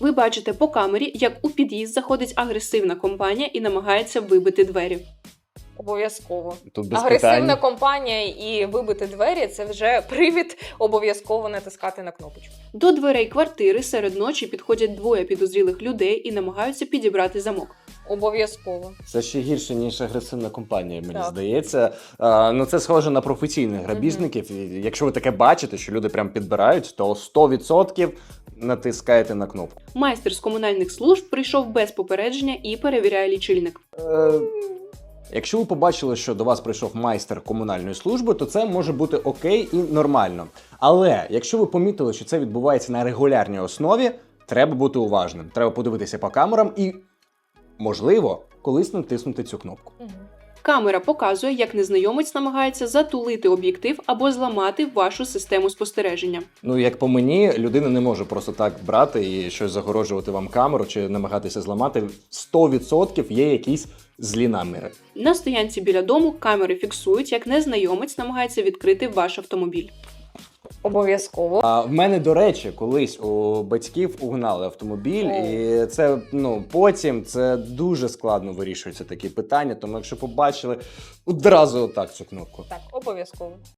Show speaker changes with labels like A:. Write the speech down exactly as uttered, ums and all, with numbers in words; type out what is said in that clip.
A: Ви бачите по камері, як у під'їзд заходить агресивна компанія і намагається вибити двері.
B: Обов'язково.
C: Тут без
B: Агресивна
C: питань.
B: компанія і вибити двері – це вже привід обов'язково натискати на кнопочку.
A: До дверей квартири серед ночі підходять двоє підозрілих людей і намагаються підібрати замок.
B: Обов'язково.
C: Це ще гірше, ніж агресивна компанія, мені
B: Так.
C: здається. А, ну, це схоже на професійних грабіжників. І якщо ви таке бачите, що люди прям підбирають, то сто відсотків натискаєте на кнопку.
A: Майстер з комунальних служб прийшов без попередження і перевіряє лічильник.
C: Е, Якщо ви побачили, що до вас прийшов майстер комунальної служби, то це може бути окей і нормально. Але якщо ви помітили, що це відбувається на регулярній основі, треба бути уважним. Треба подивитися по камерам і, можливо, колись натиснути цю кнопку.
B: Угу.
A: Камера показує, як незнайомець намагається затулити об'єктив або зламати вашу систему спостереження.
C: Ну, як по мені, людина не може просто так брати і щось загороджувати вам камеру чи намагатися зламати. сто відсотків є якісь злі наміри.
A: На стоянці біля дому камери фіксують, як незнайомець намагається відкрити ваш автомобіль.
B: Обов'язково.
C: А в мене, до речі, колись у батьків угнали автомобіль,
B: О.
C: і це, ну, потім це дуже складно вирішуються такі питання, тому якщо побачили, одразу отак цю кнопку.
B: Так, обов'язково.